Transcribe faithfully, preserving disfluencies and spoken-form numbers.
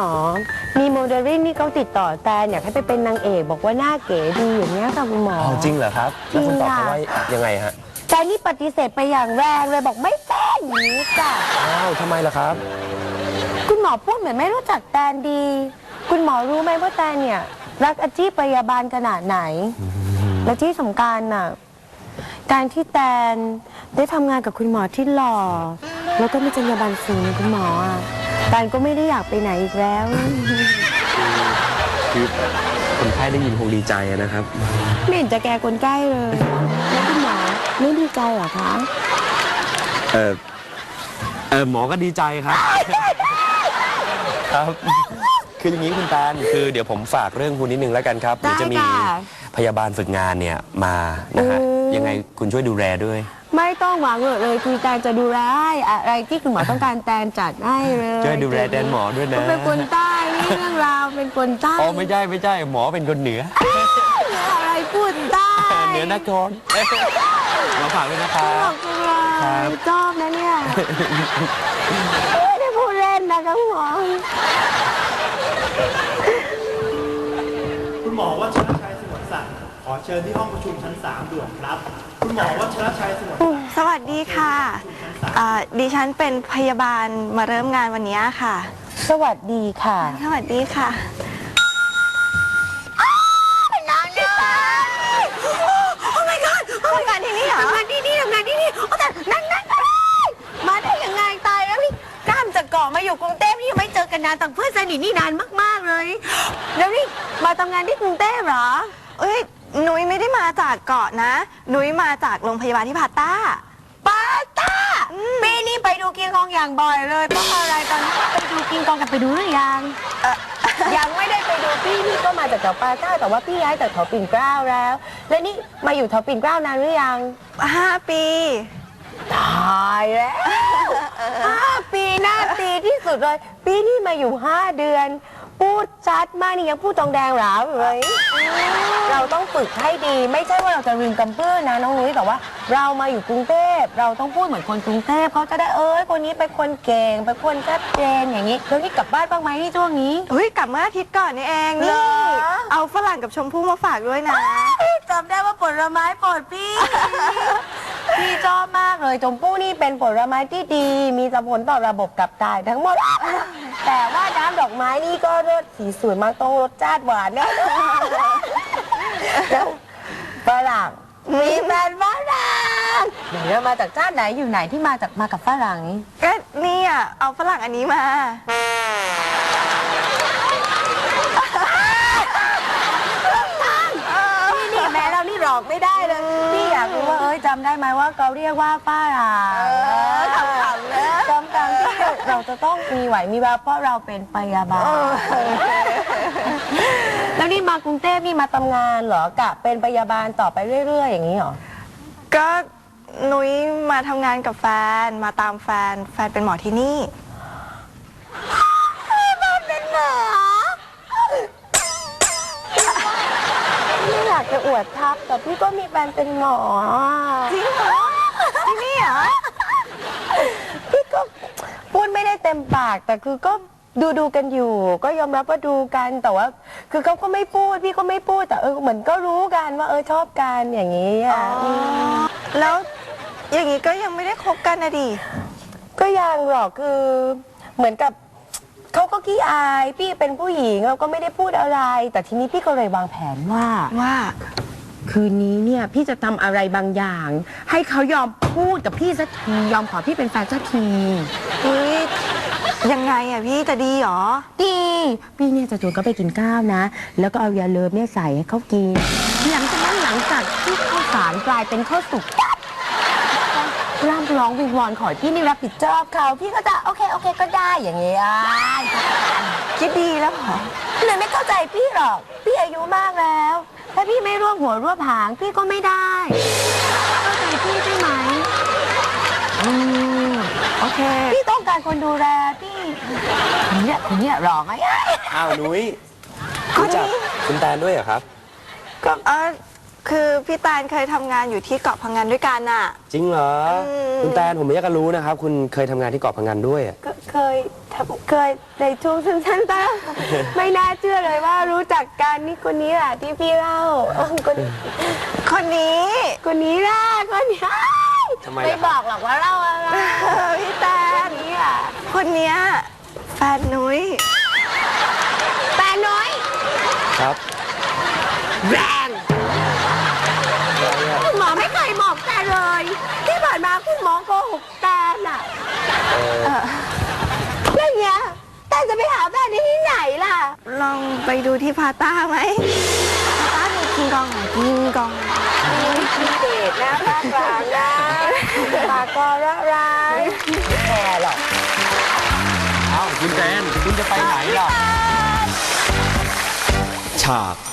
มอมีโมเดลลิ่งนี่เขาติดต่อแต่อยากให้ไปเป็นนางเอกบอกว่าหน้าเก๋ดีอย่างเงี้ยค่ะคุณหมออ๋อจริงเหรอครับแล้วคุณตอบเขาว่ายังไงฮะแต่นี่ปฏิเสธไปอย่างแรงเลยบอกไม่เป็นอย่างนี้จ้ะอ้าวทำไมล่ะครับคุณหมอพูดเหมือนไม่รู้จักแตนดี คุณหมอรู้ไหมว่าแตนเนี่ยรักอาชีพพยาบาลขนาดไหนและที่สำคัญน่ะการที่แตนได้ทำงานกับคุณหมอที่หล่อแล้วก็มีจรรยาบรรณสูงคุณหมออ่ะแตนก็ไม่ได้อยากไปไหนอีกแล้วคือคนไข้ได้ยินคงดีใจนะครับไม่เห็นจะแกคนใกล้เลยแล้วคุณหมอไม่ดีใจเหรอคะเออเออหมอก็ดีใจครับครับคืออย่างนี้คุณแตนคือเดี๋ยวผมฝากเรื่องคุณนิดนึงแล้วกันครับเดี๋ยวจะมีพยาบาลฝึกงานเนี่ยมานะฮะยังไงคุณช่วยดูแลด้วยไม่ต้องหวังเลยคือแตนจะดูแลอะไรที่คุณหมอต้องการแตนจัดให้เลยช่วยดูแลแตนหมอด้วยนะเป็นคนใต้นี่เรื่องราวเป็นคนใต้อ๋อไม่ใช่ไม่ใช่หมอเป็นคนเหนืออะไรพูดใต้เหนือนครหมอฝากด้วยนะครับครับชอบนะเนี่ยไม่ได้พูดเล่นนะครับหมอคุณหมอวัชรชัยสงวนศักดิ์ขอเชิญที่ห้องประชุมชั้นสามด่วนครับคุณหมอวัชรชัยสงวนศักดิ์สวัสดีค่ะดิฉันเป็นพยาบาลมาเริ่มงานวันนี้ค่ะสวัสดีค่ะสวัสดีค่ะน้องดิฉันโอ้ my god ทำงานที่นี่เหรอทำงานที่นี่ทำงานที่นี่โอ้แต่นั่นนั่นมาได้ยังไงตายแล้วพี่กล้ามจากเกาะมาอยู่กรุงเทพนี่ยังไม่เจอกันนานต่างเพื่อนสนิทนี่นานมากๆเลยแล้วนี่มาทำงานที่กรุงเทพเหรอเอ้ยหนุ้ยไม่ได้มาจากเกาะนะหนุ้ยมาจากโรงพยาบาลที่พาต้าปาต้าปีนี้ไปดูกินกองอย่างบ่อยเลยเพราะอะไรตอนนี้ไปดูกินกองกันไปดูหรือยังยังไม่ได้ไปดูพี่พี่ก็มาจากแถวปาต้าแต่ว่าพี่ย้ายจากแถวปิ่นเกล้าแล้ว และนี่มาอยู่แถวปิ่นเกล้านานหรือยังห้าปีตายแล้วห้าปีหน้าตีที่สุดเลยปีนี้มาอยู่ห้าเดือนพูดชัดมากนี่ยังพูดตองแดงหรอเลยเราต้องฝึกให้ดีไม่ใช่ว่าเราจะลืมกำพื้นนะน้องนุ้ยแต่ว่าเรามาอยู่กรุงเทพเราต้องพูดเหมือนคนกรุงเทพเขาจะได้เอ้ยคนนี้เป็นคนเก่งเป็นคนชัดเจนอย่างนี้แล้วนี่กลับบ้านบ้างไหมนี่ช่วงนี้เฮ้ยกลับเมื่ออาทิตย์ก่อนนี่เองนี่เอาฝรั่งกับชมพู่มาฝากด้วยนะจำได้ว่าผลไม้โปรดพี่พี่ชอบมากเลยชมพู่นี่เป็นผลไม้ที่ดีมีผลต่อระบบขับถ่ายทั้งหมดแต่ว่าน้ำดอกไม้นี่ก็รสสีสวยมากต้องรสชาติหวานนะแล้วฝรั่งมีแฟนฝรั่งเดี๋ยวมาจากชาติไหนอยู่ไหนที่มาจากมากับฝรั่งนี้ก็นี่อ่ะเอาฝรั่งอันนี้มานี่แม่เรานี่หลอกไม่ได้เลยพี่อยากรู้ว่าเอ้ยจำได้ไหมว่าเขาเรียกว่าฝรั่งขำๆนะจำการที่เราจะต้องมีไหวมีแววเพราะเราเป็นพยาบาลแล้วนี่มากรุงเทพนี่มาทำงานเหรอกะเป็นพยาบาลต่อไปเรื่อยๆอย่างนี้เหรอก็นุ้ยมาทำงานกับแฟนมาตามแฟนแฟนเป็นหมอที่นี่แฟนเป็นหมอไม่อยากจะอวดทับแต่พี่ก็มีแฟนเป็นหมอจริงเหรอที่นี่เหรอพี่ก็พูดไม่ได้เต็มปากแต่คือก็ดูดูกันอยู่ก็ยอมรับว่าดูกันแต่ว่าคือเขาก็ไม่พูดพี่ก็ไม่พูดแต่เออเหมือนก็รู้กันว่าเออชอบกันอย่างนี้อ่ะแล้วอย่างนี้ก็ยังไม่ได้คบกันนะดิก็ยังหรอกคือเหมือนกับเขาก็ขี้อายพี่เป็นผู้หญิงเราก็ไม่ได้พูดอะไรแต่ทีนี้พี่ก็เลยวางแผนว่าว่าคืนนี้เนี่ยพี่จะทำอะไรบางอย่างให้เขายอมพูดกับพี่สักทียอมขอพี่เป็นแฟนสักทีเฮ้ยยังไงอ่ะพี่จะดีหรอดีพี่เนี่ยจะชวนเขาไปกินข้าวนะแล้วก็เอายาเลิฟเนี่ยใส่ให้เขากินหลังจากนั้นหลังจากที่ข้าวสารกลายเป็นข้าวสุกร่ำร้องวิงวอนขอพี่นี่รับผิดชอบเขาพี่ก็จะโอเคโอเคก็ได้อย่างเงี้ยคิดดีแล้วเหรอเลยไม่เข้าใจพี่หรอกพี่อายุมากแล้วถ้าพี่ไม่ร่วมหัวร่วมหางพี่ก็ไม่ได้เข้าใจพี่ใช่ไหมอืมโอเคพี่ต้องการคนดูแลพี่คนเนี้ยคนเนี้ยหลอกไงอ้าวนุ้ยรู้จักคุณแตนด้วยเหรอครับก็เออคือพี่แตนเคยทำงานอยู่ที่เกาะพังงานด้วยกันน่ะจริงเหรออืมคุณแตนผมไม่อยากจะรู้นะครับ คุณเคยทำงานที่เกาะพังงานด้วยอะก็เคยทำเคยในช่วงสั้นๆตั้ง ไม่น่าเชื่อเลยว่ารู้จักกันนี่คนนี้แหละที่พี่เล่าเออคนคนนี้คนนี้ล่ะคนนี้ทำไมไม่ล่ะบคอรับกหรอกว่าเล่าอะไรพี่แตคน นนี้อ่ะคนเนี้ยแฟนนุ้ยแฟนน้อยครับแรงคุณหมอไม่เคยบอกแกเลย ที่ผ่านมาคุณหมอโกหกแตนอ่ะเรื่องเนี้ยแตนจะไปหาแฟนที่ไหนล่ะลองไปดูที่พาต้าไหมพาต้ามีคิงกองไหนคิงกองพิเศษนะภาคกลางนะปากกอระร้ายแค่หรอกเอ้าคุณแตนคุณจะไปไหนล่ะฉาก